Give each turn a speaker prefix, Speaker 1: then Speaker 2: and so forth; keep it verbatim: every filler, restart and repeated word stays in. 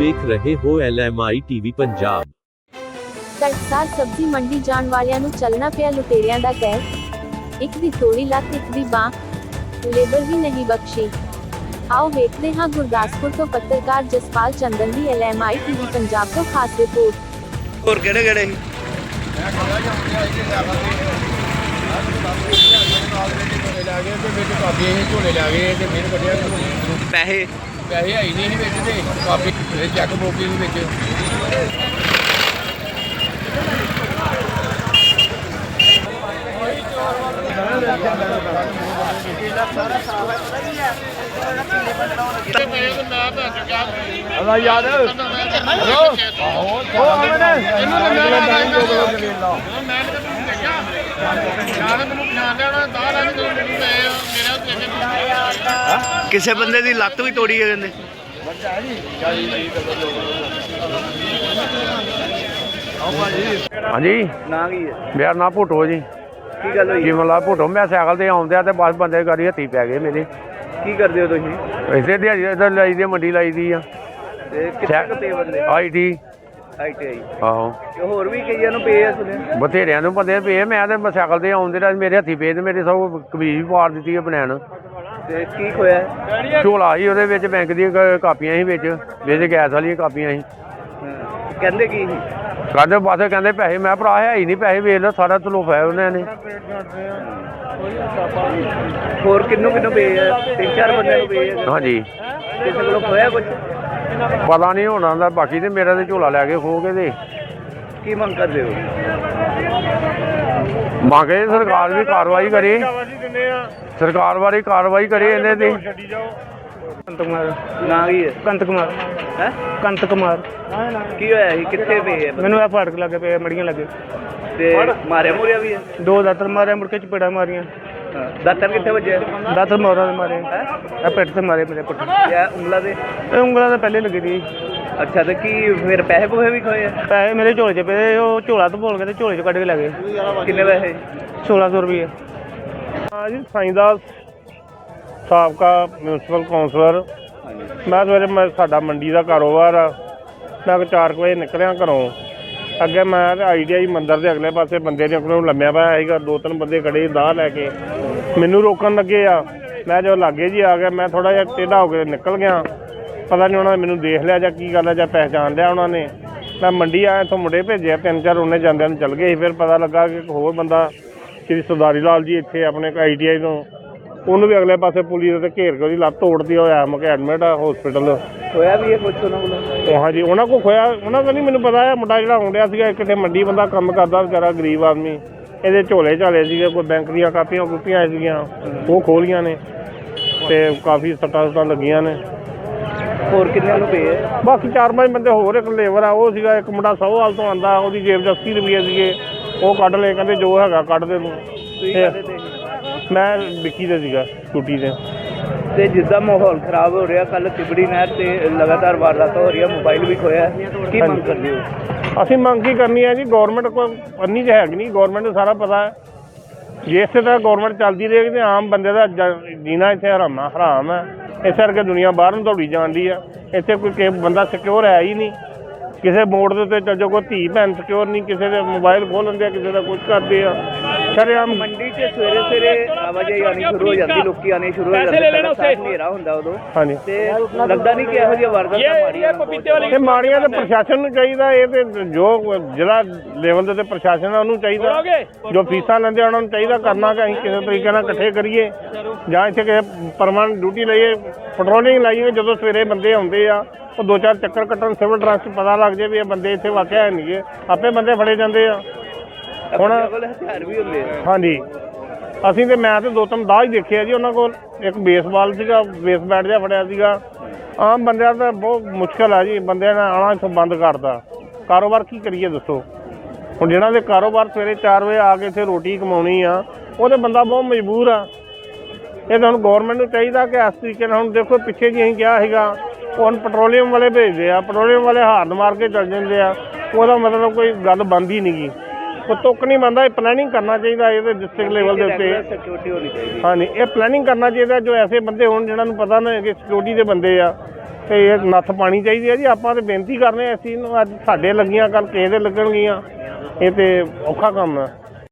Speaker 1: ਵੇਖ ਰਹੇ ਹੋ L M I TV Punjab.
Speaker 2: ਤੜਕਸਾਰ ਸਬਜ਼ੀ ਮੰਡੀ ਜਾਣ ਵਾਲਿਆਂ ਨੂੰ ਚੱਲਣਾ ਪਿਆ ਲੁਟੇਰਿਆਂ ਦਾ ਕਹਿਰ। ਇੱਕ ਦੀ ਤੋੜੀ ਲੱਤ, ਇੱਕ ਦੀ ਬਾਂਹ, ਲੇਬਰ ਵੀ ਨਹੀਂ ਬਖਸ਼ੀ। ਆਓ ਵੇਖਦੇ ਹਾਂ ਗੁਰਦਾਸਪੁਰ ਤੋਂ ਪੱਤਰਕਾਰ ਜਸਪਾਲ ਚੰਦਨ ਦੀ L M I TV Punjab ਤੋਂ ਖਾਸ ਰਿਪੋਰਟ।
Speaker 3: ਹੋਰ ਕਿਹੜੇ ਕਿਹੜੇ ਸੀ ਪੈਸੇ
Speaker 4: ਪੈਸੇ ਹੈ ਹੀ ਨਹੀਂ ਸੀ ਵਿੱਚ ਤੇ ਕਾਪੀ ਚੈੱਕ ਬੁੱਕ ਵੀ ਵਿੱਚ। ਅੱਲਾ ਯਾਦ ਹੈਲੋ ਆਹੋ ਅਮਨ ਇਹਨੂੰ ਤਾਂ ਮੈਂ ਟਾਈਮ ਤੋਂ ਬਲੋ ਜਵੇਲਾ ਮੈਂ ਤਾਂ ਤੁਹਾਨੂੰ ਦੇਖਿਆ ਯਾਰ ਮੈਨੂੰ ਪਛਾਣ ਲਿਆ ਉਹਨਾਂ ਦਾ ਰੰਗ ਤੋਂ ਮੇਰਾ ਤੇ
Speaker 3: ਕਿਸੇ ਬੰਦੇ ਦੀ ਲੱਤ ਵੀ ਤੋੜੀ ਹੈ ਕਹਿੰਦੇ।
Speaker 5: ਹਾਂਜੀ
Speaker 3: ਨਾ ਕੀ ਹੈ
Speaker 5: ਮੇਰਾ ਨਾਂ ਭੁੱਟੋ ਜੀ।
Speaker 3: ਕੀ ਗੱਲ ਹੋਈ
Speaker 5: ਜੀਵਨ ਲਾਲ ਭੁੱਟੋ। ਮੈਂ ਸਾਈਕਲ ਤੇ ਆਉਂਦਿਆ ਤੇ ਬਸ ਬੰਦੇ ਗਾੜੀ ਹੱਥੀ ਪੈ ਗਏ ਮੇਰੇ।
Speaker 3: ਕੀ ਕਰਦੇ ਹੋ ਤੁਸੀਂ
Speaker 5: ਇਸੇ ਦਿਹਾੜੀ ਇੱਧਰ ਲਾਈ ਦੀ ਆ, ਮੰਡੀ ਲਾਈ ਦੀ ਆ।
Speaker 3: ਤੇ ਕਿੱਥੇ ਕੁ ਬੰਦੇ
Speaker 5: I T
Speaker 3: I T I
Speaker 5: ਆਹੋ
Speaker 3: ਤੇ ਹੋਰ ਵੀ ਕਈਆਂ ਨੂੰ ਪਏ ਆ ਸੁਣਿਆ।
Speaker 5: ਬਥੇਰਿਆਂ ਨੂੰ ਬੰਦੇ ਪਏ। ਮੈਂ ਤੇ ਸਾਈਕਲ ਤੇ ਆਉਂਦੇ ਰਿਹਾ, ਮੇਰੇ ਹੱਥੀ ਪਏ ਤੇ ਮੇਰੇ ਸਭ ਕਮੀਜ਼ ਵੀ ਪਾੜ ਦਿੱਤੀ ਆ ਬਨੈਣ।
Speaker 3: ਤੇ ਕੀ ਖੋਇਆ
Speaker 5: ਝੋਲਾ ਸੀ ਉਹਦੇ ਵਿੱਚ, ਬੈਂਕ ਦੀਆਂ ਕ- ਕਾਪੀਆਂ ਸੀ ਵਿੱਚ, ਵਿੱਚ ਗੈਸ ਵਾਲੀਆਂ ਕਾਪੀਆਂ ਸੀ।
Speaker 3: ਕਹਿੰਦੇ ਕੀ ਸੀ
Speaker 5: ਕਹਿੰਦੇ ਬਸ ਕਹਿੰਦੇ ਪੈਸੇ। ਮੈਂ ਭਰਾ ਹੈ ਹੀ ਨਹੀਂ ਪੈਸੇ, ਵੇਚ ਲਓ ਸਾਰਾ ਤਲੋਫਾ ਉਹਨਾਂ ਨੇ।
Speaker 3: ਹੋਰ ਕਿੰਨੂੰ ਕਿੰਨੂੰ ਪਏ ਆ ਤਿੰਨ ਚਾਰ ਬੰਦਿਆਂ ਨੂੰ ਪਏ ਆ
Speaker 5: ਹਾਂਜੀ
Speaker 3: ਕਿਸੇ ਕੋਲੋਂ ਖੋਇਆ ਕੁਝ
Speaker 5: ਪਤਾ ਨਹੀਂ ਹੋਣਾ ਦਾ। ਬਾਕੀ ਤੇ ਮੇਰਾ ਤੇ ਝੋਲਾ ਲੈ ਕੇ ਖੋ ਕੇ ਤੇ
Speaker 3: ਕੀ ਮੰਗ ਕਰਦੇ ਹੋ
Speaker 5: ਮੰਗੇ ਸਰਕਾਰ ਵੀ ਕਾਰਵਾਈ ਕਰੇ, ਸਰਕਾਰ ਬਾਰੇ ਕਾਰਵਾਈ ਕਰੇ ਇਹਨੇ ਤੇ।
Speaker 6: ਕੰਤ ਕੁਮਾਰ
Speaker 3: ਨਾ ਕੀ ਹੈ
Speaker 6: ਕੰਤ ਕੁਮਾਰ
Speaker 3: ਹੈ
Speaker 6: ਕੰਤ ਕੁਮਾਰ
Speaker 3: ਕੀ ਹੋਇਆ ਸੀ ਕਿੱਥੇ ਪਏ ਆ ਬੰਦੇ?
Speaker 6: ਮੈਨੂੰ ਇਹ ਫਾਟਕ ਲੱਗੇ ਪਏ ਮੜੀਆਂ ਲੱਗੇ।
Speaker 3: ਤੇ ਮਾਰਿਆ ਮੁਰਿਆ ਵੀ ਹੈ
Speaker 6: ਦੋ ਦਾਤਰ ਮਾਰੇ, ਮੁੜ ਕੇ ਚਪੇੜਾ ਮਾਰੀਆਂ।
Speaker 3: ਹਾਂ। ਦਾਤਰ ਕਿੱਥੇ ਵੱਜਿਆ
Speaker 6: ਦਾਤਰ ਮੋਰਾਂ ਦੇ ਮਾਰੇ,
Speaker 3: ਹੈ
Speaker 6: ਇਹ ਪਿੱਠ ਤੇ ਮਾਰੇ ਮੇਰੇ ਪੁੱਠ।
Speaker 3: ਜਾਂ ਉਂਗਲਾਂ ਦੇ
Speaker 6: ਇਹ ਉਂਗਲਾਂ ਤਾਂ ਪਹਿਲੇ ਲੱਗੀ ਸੀ।
Speaker 3: ਅੱਛਾ ਤੇ ਕੀ ਫਿਰ ਪੈਸੇ ਪੂਸੇ ਵੀ ਖੋਏ ਆ
Speaker 6: ਪੈਸੇ ਮੇਰੇ ਝੋਲੇ 'ਚ ਪਏ, ਉਹ ਝੋਲਾ ਤੋਂ ਭੋਲ ਕੇ ਤੇ ਝੋਲੇ 'ਚ ਕੱਢ ਕੇ ਲੈ ਗਏ
Speaker 3: ਕਿੰਨੇ ਪੈਸੇ
Speaker 6: ਸੋਲਾਂ ਸੌ ਰੁਪਏ।
Speaker 7: ਹਾਂ ਜੀ, ਸਾਈਂਦਾਸ ਸਾਬਕਾ ਮਿਊਨਸੀਪਲ ਕੌਂਸਲਰ। ਮੈਂ ਸਵੇਰੇ ਮੈਂ ਸਾਡਾ ਮੰਡੀ ਦਾ ਕਾਰੋਬਾਰ ਆ। ਮੈਂ ਚਾਰ ਕੁ ਵਜੇ ਨਿਕਲਿਆ ਘਰੋਂ। ਅੱਗੇ ਮੈਂ ਤੇ ਆਈ ਟੀ ਆਈ ਮੰਦਿਰ ਦੇ ਅਗਲੇ ਪਾਸੇ ਬੰਦੇ ਨੇ ਕੋਲੋਂ ਲੰਮਿਆ ਪਿਆ ਸੀਗਾ। ਦੋ ਤਿੰਨ ਬੰਦੇ ਖੜੇ ਦਾਹ ਲੈ ਕੇ ਮੈਨੂੰ ਰੋਕਣ ਲੱਗੇ ਆ। ਮੈਂ ਜਦੋਂ ਲਾਗੇ ਜੀ ਆ ਗਿਆ, ਮੈਂ ਥੋੜ੍ਹਾ ਜਿਹਾ ਟੇਢਾ ਹੋ ਕੇ ਨਿਕਲ ਗਿਆ। ਪਤਾ ਨਹੀਂ ਉਹਨਾਂ ਨੇ ਮੈਨੂੰ ਦੇਖ ਲਿਆ ਜਾਂ ਕੀ ਗੱਲ ਹੈ, ਜਾਂ ਪਹਿਚਾਣ ਲਿਆ ਉਹਨਾਂ ਨੇ। ਮੈਂ ਮੰਡੀ ਆਇਆ, ਇੱਥੋਂ ਮੁੰਡੇ ਭੇਜਿਆ ਤਿੰਨ ਚਾਰ, ਉਹਨੇ ਜਾਂਦਿਆਂ ਨੂੰ ਚੱਲ ਗਏ ਸੀ। ਫਿਰ ਪਤਾ ਲੱਗਾ ਕਿ ਇੱਕ ਹੋਰ ਬੰਦਾ ਸ਼੍ਰੀ ਸਰਦਾਰੀ ਲਾਲ ਜੀ ਇੱਥੇ ਆਪਣੇ ਆਈ ਟੀ ਆਈ ਤੋਂ, ਉਹਨੂੰ ਵੀ ਅਗਲੇ ਪਾਸੇ ਪੁਲਿਸ ਦੇ ਘੇਰ ਕੇ ਉਹਦੀ ਲੱਤ ਤੋੜਦੀ ਹੋਇਆ ਮੈਂ ਕਿ ਐਡਮਿਟ ਆ ਹੋਸਪਿਟਲ।
Speaker 3: ਖੋਇਆ ਵੀ ਇਹ ਕੁਛ ਉਹਨਾਂ ਕੋਲੋਂ
Speaker 7: ਉਹ ਹਾਂਜੀ ਉਹਨਾਂ ਕੋਲ ਖੋਇਆ, ਉਹਨਾਂ ਕੋਲ ਨਹੀਂ ਮੈਨੂੰ ਪਤਾ ਹੈ। ਮੁੰਡਾ ਜਿਹੜਾ ਆਉਣ ਡਿਆ ਸੀਗਾ ਕਿਤੇ ਮੰਡੀ ਬੰਦਾ ਕੰਮ ਕਰਦਾ ਵਿਚਾਰਾ ਗਰੀਬ ਆਦਮੀ। ਇਹਦੇ ਝੋਲੇ ਝਾਲੇ ਸੀਗੇ, ਕੋਈ ਬੈਂਕ ਦੀਆਂ ਕਾਪੀਆਂ ਕੁਪੀਆਂ ਸੀਗੀਆਂ, ਉਹ ਖੋਲੀਆਂ ਨੇ ਤੇ ਕਾਫੀ ਸੱਟਾਂ ਸੁੱਟਾਂ ਲੱਗੀਆਂ ਨੇ।
Speaker 3: ਹੋਰ ਕਿੰਨੇ ਨੂੰ ਪਏ ਆ
Speaker 7: ਬਾਕੀ ਚਾਰ ਪੰਜ ਬੰਦੇ ਹੋਰ, ਇੱਕ ਲੇਬਰ ਆ ਉਹ ਸੀਗਾ। ਇੱਕ ਮੁੰਡਾ ਸੌਹਾਲ ਤੋਂ ਆਉਂਦਾ, ਉਹਦੀ ਜੇਬ 'ਚ ਅੱਸੀ ਰੁਪਈਏ ਸੀਗੇ, ਉਹ ਕੱਢ ਲਏ। ਕਹਿੰਦੇ ਜੋ ਹੈਗਾ ਕੱਢ ਦੇ ਤੂੰ।
Speaker 3: ਤੁਸੀਂ ਕਾਹਦੇ ਤੇ
Speaker 7: ਮੈਂ ਵਿੱਕੀ ਦੇ ਸੀਗਾ ਸਕੂਟੀ ਤੇ।
Speaker 3: ਤੇ ਜਿੱਦਾਂ ਮਾਹੌਲ ਖਰਾਬ ਹੋ ਰਿਹਾ, ਕੱਲ ਤਿਬੜੀ ਨਹਿਰ ਤੇ ਲਗਾਤਾਰ ਵਾਰਦਾਤਾਂ ਹੋ ਰਹੀਆਂ, ਮੋਬਾਈਲ ਵੀ ਖੋਇਆ, ਕੀ ਮੰਗ ਕਰਦੇ ਹੋ?
Speaker 7: ਅਸੀਂ ਮੰਗ ਕੀ ਕਰਨੀ ਹੈ ਜੀ, ਗੌਰਮੈਂਟ ਕੋਲ ਅੰਨੀ ਤਾਂ ਹੈਗੀ ਨਹੀਂ। ਗੌਰਮੈਂਟ ਨੂੰ ਸਾਰਾ ਪਤਾ ਹੈ। ਜੇ ਇਸੇ ਤਰ੍ਹਾਂ ਗੌਰਮੈਂਟ ਚੱਲਦੀ ਰਹੇਗੀ ਤਾਂ ਆਮ ਬੰਦੇ ਦਾ ਜ- ਜੀਣਾ ਇੱਥੇ ਹਰਾਮਾ ਹਰਾਮ ਹੈ। ਇਸ ਕਰਕੇ ਦੁਨੀਆ ਬਾਹਰ ਨੂੰ ਦੌੜੀ ਜਾਂਦੀ ਆ। ਇੱਥੇ ਕੋਈ ਕਿ ਬੰਦਾ ਸਿਕਿਉਰ ਹੈ ਹੀ ਨਹੀਂ। ਕਿਸੇ ਮੋੜ ਦੇ ਉੱਤੇ ਚੱਲ ਜਾਓ, ਕੋਈ ਧੀ ਭੈਣ ਸਿਕਿਉਰ ਨਹੀਂ। ਕਿਸੇ ਦੇ ਮੋਬਾਈਲ ਖੋਹ ਲੈਂਦੇ ਆ, ਕਿਸੇ ਦਾ ਕੁਝ ਕਰਦੇ ਆ। ਸ਼ਰੇਆਮ
Speaker 3: ਮੰਡੀ 'ਚ ਸਵੇਰੇ ਸਵੇਰੇ ਆਵਾਜਾਈ ਆਉਣੀ ਸ਼ੁਰੂ ਹੋ ਜਾਂਦੀ, ਲੋਕੀ ਆਉਣੇ ਸ਼ੁਰੂ ਹੋ ਜਾਂਦੇ, ਪਹਿਲਾਂ ਸਾਫ਼ ਹਨੇਰਾ ਹੁੰਦਾ ਉਦੋਂ।
Speaker 7: ਹਾਂਜੀ
Speaker 3: ਤੇ ਲੱਗਦਾ ਨਹੀਂ ਕਿ ਇਹੋ ਜਿਹੀਆਂ ਵਾਰਦਾਤਾਂ ਮਾੜੀਆਂ
Speaker 7: ਇਹ ਮਾੜੀਆਂ ਤਾਂ ਪ੍ਰਸ਼ਾਸਨ ਨੂੰ ਚਾਹੀਦਾ। ਇਹ ਤੇ ਜੋ ਜ਼ਿਲ੍ਹਾ ਲੈਵਲ ਦੇ ਉੱਤੇ ਪ੍ਰਸ਼ਾਸਨ ਆ ਉਹਨੂੰ ਚਾਹੀਦਾ, ਜੋ ਫੀਸਾਂ ਲੈਂਦੇ ਉਹਨਾਂ ਨੂੰ ਚਾਹੀਦਾ ਕਰਨਾ ਕਿ ਅਸੀਂ ਕਿਸੇ ਤਰੀਕੇ ਨਾਲ ਇਕੱਠੇ ਕਰੀਏ ਜਾਂ ਇੱਥੇ ਕਿਸੇ ਪਰਮਾਨੈਂਟ ਡਿਊਟੀ ਲਈਏ, ਪੈਟਰੋਲਿੰਗ ਲਾਈਏ। ਜਦੋਂ ਸਵੇਰੇ ਬੰਦੇ ਆਉਂਦੇ ਆ ਉਹ ਦੋ ਚਾਰ ਚੱਕਰ ਕੱਟਣ, ਸਿਵਲ ਡਰੈਸ 'ਚ ਪਤਾ ਲੱਗ ਜਾਏ ਵੀ ਇਹ ਬੰਦੇ ਇੱਥੇ ਵਾਕਿਆ ਹੈ ਨਹੀਂ ਗੇ, ਆਪੇ ਬੰਦੇ ਫੜੇ ਜਾਂਦੇ ਆ। ਹੁਣ
Speaker 3: ਹਥਿਆਰ ਵੀ ਹੁੰਦੇ ਆ।
Speaker 7: ਹਾਂਜੀ ਅਸੀਂ ਤੇ ਮੈਂ ਤੇ ਦੋ ਤਿੰਨ ਦਾਹ ਹੀ ਦੇਖੇ ਆ ਜੀ ਉਹਨਾਂ ਕੋਲ। ਇੱਕ ਬੇਸਬਾਲ ਸੀਗਾ, ਬੇਸ ਬੈਟ ਜਿਹਾ ਫੜਿਆ ਸੀਗਾ। ਆਮ ਬੰਦਿਆਂ ਦਾ ਬਹੁਤ ਮੁਸ਼ਕਿਲ ਆ ਜੀ, ਬੰਦਿਆਂ ਨੇ ਆਉਣਾ ਇੱਥੋਂ ਬੰਦ ਕਰਤਾ। ਕਾਰੋਬਾਰ ਕੀ ਕਰੀਏ ਦੱਸੋ? ਹੁਣ ਜਿਹਨਾਂ ਦੇ ਕਾਰੋਬਾਰ ਸਵੇਰੇ ਚਾਰ ਵਜੇ ਆ ਕੇ ਇੱਥੇ ਰੋਟੀ ਕਮਾਉਣੀ ਆ, ਉਹ ਤਾਂ ਬੰਦਾ ਬਹੁਤ ਮਜਬੂਰ ਆ। ਇਹ ਤਾਂ ਹੁਣ ਗੌਰਮੈਂਟ ਨੂੰ ਚਾਹੀਦਾ ਕਿ ਇਸ ਤਰੀਕੇ ਨਾਲ, ਹੁਣ ਦੇਖੋ ਪਿੱਛੇ ਜੀ ਅਸੀਂ ਕਿਹਾ ਸੀਗਾ, ਹੁਣ ਪੈਟਰੋਲੀਅਮ ਵਾਲੇ ਭੇਜਦੇ ਆ, ਪੈਟਰੋਲੀਅਮ ਵਾਲੇ ਹਾਰਨ ਮਾਰ ਕੇ ਚੱਲ ਜਾਂਦੇ ਆ। ਉਹਦਾ ਮਤਲਬ ਕੋਈ ਗੱਲ ਬਣਦੀ ਨਹੀਂ ਗੀ। ਕੋਈ ਤੁੱਕ ਨਹੀਂ ਬਣਦਾ, ਇਹ ਪਲੈਨਿੰਗ ਕਰਨਾ ਚਾਹੀਦਾ ਇਹਦੇ ਡਿਸਟ੍ਰਿਕਟ ਲੈਵਲ ਦੇ ਉੱਤੇ।
Speaker 3: ਸਿਕਿਉਰਿਟੀ ਹੋਣੀ ਚਾਹੀਦੀ।
Speaker 7: ਹਾਂਜੀ, ਇਹ ਪਲੈਨਿੰਗ ਕਰਨਾ ਚਾਹੀਦਾ, ਜੋ ਐਸੇ ਬੰਦੇ ਹੋਣ ਜਿਹਨਾਂ ਨੂੰ ਪਤਾ ਨਾ ਕਿ ਸਿਕਿਉਰਿਟੀ ਦੇ ਬੰਦੇ ਆ, ਤੇ ਇਹ ਨੱਥ ਪਾਣੀ ਚਾਹੀਦੀ ਹੈ ਜੀ। ਆਪਾਂ ਤਾਂ ਬੇਨਤੀ ਕਰਨੇ ਇਸ ਚੀਜ਼ ਨੂੰ, ਅੱਜ ਸਾਡੇ ਲੱਗੀਆਂ ਕੱਲ ਕਿਸੇ ਦੇ ਲੱਗਣਗੀਆਂ, ਇਹ ਤੇ ਔਖਾ ਕੰਮ ਹੈ।